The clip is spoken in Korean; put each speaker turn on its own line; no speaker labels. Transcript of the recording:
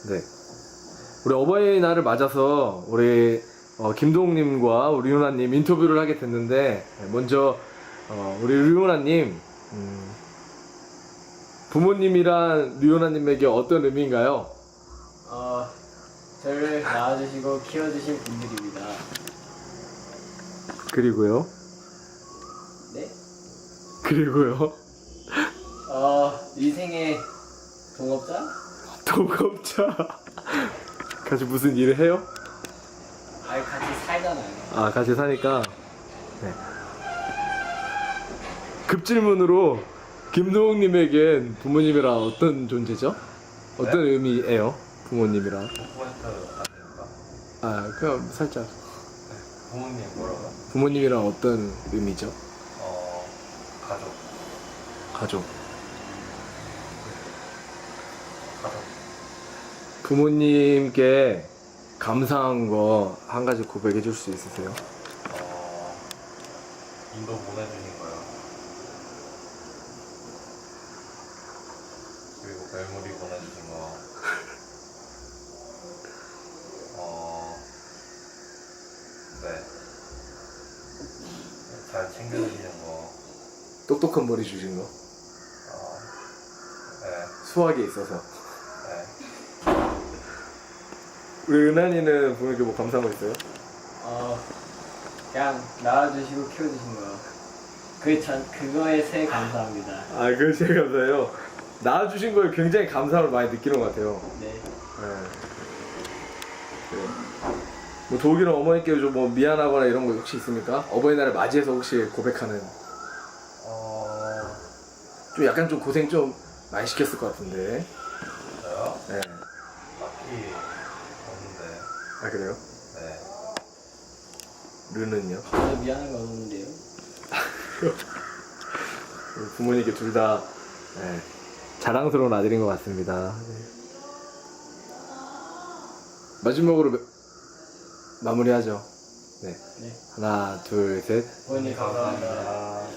네. 우리 어버이날을 맞아서 우리 김동욱님과 우리 유나님 인터뷰를 하게 됐는데, 먼저 우리 유나님, 부모님이란 류요나님에게 어떤 의미인가요?
저를 낳아주시고 키워주신 분들입니다.
그리고요?
네?
그리고요?
인생의 동업자?
동업자. 같이 무슨 일을 해요?
같이 살잖아요.
아, 같이 사니까. 네. 급질문으로 김동욱님에겐 부모님이란 어떤 존재죠? 어떤 의미예요? 부모님이란?
도쿠멘트 아닙니까?
아, 그냥 살짝.
부모님 뭐라고?
부모님이란 어떤 의미죠?
가족.
가족.
가족.
부모님께 감사한 거 한 가지 고백해 줄 수 있으세요?
인도 보내주신 거요. 그리고 멜모리 보내주신 거. 네. 잘 챙겨주시는 거.
똑똑한 머리 주신 거?
네.
수학에 있어서.
네.
우리 은한이는 부모님께 뭐 감사한 거 있어요?
그냥 낳아주시고 키워주신 거. 그거에 새 감사합니다.
아, 그거 제일 감사해요. 낳아주신 거에 굉장히 감사함을 많이 느끼는 것 같아요.
네.
네. 뭐 도욱이는 어머니께 좀 뭐 미안하거나 이런 거 혹시 있습니까? 어버이날을 맞이해서 혹시 고백하는. 좀 약간 좀 고생 좀 많이 시켰을 것 같은데.
저요?
네.
딱히 없는데.
아, 그래요?
네.
르는요?
저도 미안한 거 없는데요.
우리 부모님께 둘 다 네, 자랑스러운 아들인 것 같습니다. 네. 마지막으로 마무리하죠. 네.
네.
하나, 둘, 셋.
부모님 감사합니다.